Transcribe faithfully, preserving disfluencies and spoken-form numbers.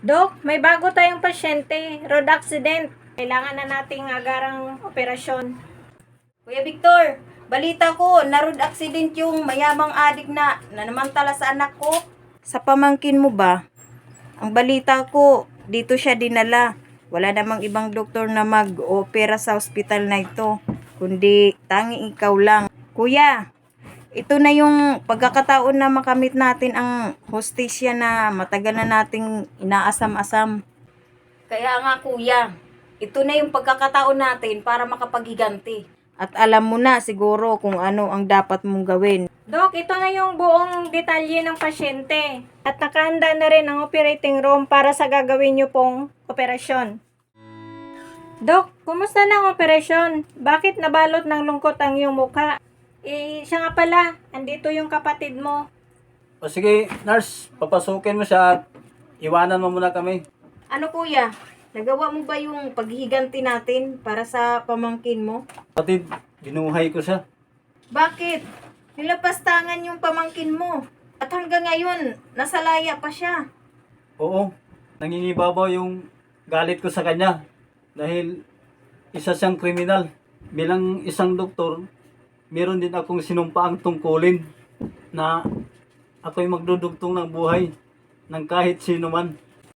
Dok, may bago tayong pasyente, road accident. Kailangan na nating agarang operasyon. Kuya Victor, balita ko, na road accident yung mayamang adik na nanamantala sa anak ko. Sa pamangkin mo ba? Ang balita ko, dito siya dinala. Wala namang ibang doktor na mag-opera sa ospital na ito, kundi tanging ikaw lang. Kuya, ito na yung pagkakataon na makamit natin ang hostisya na matagal na nating inaasam-asam. Kaya nga kuya, ito na yung pagkakataon natin para makapaghiganti. At alam mo na siguro kung ano ang dapat mong gawin. Dok, ito na yung buong detalye ng pasyente. At nakahanda na rin ang operating room para sa gagawin niyo pong operasyon. Dok, kumusta na ang operasyon? Bakit nabalot ng lungkot ang iyong mukha? Eh, siya nga pala, andito yung kapatid mo. O sige, nurse, papasukin mo siya at iwanan mo muna kami. Ano kuya, nagawa mo ba yung paghihiganti natin para sa pamangkin mo? Kapatid, binuhay ko siya. Bakit? Nilapastangan yung pamangkin mo. At hanggang ngayon, nasa laya pa siya. Oo, nangingibabaw yung galit ko sa kanya dahil isa siyang kriminal. Bilang isang doktor, meron din akong sinumpaang tungkulin na ako'y magdudugtong ng buhay ng kahit sino man.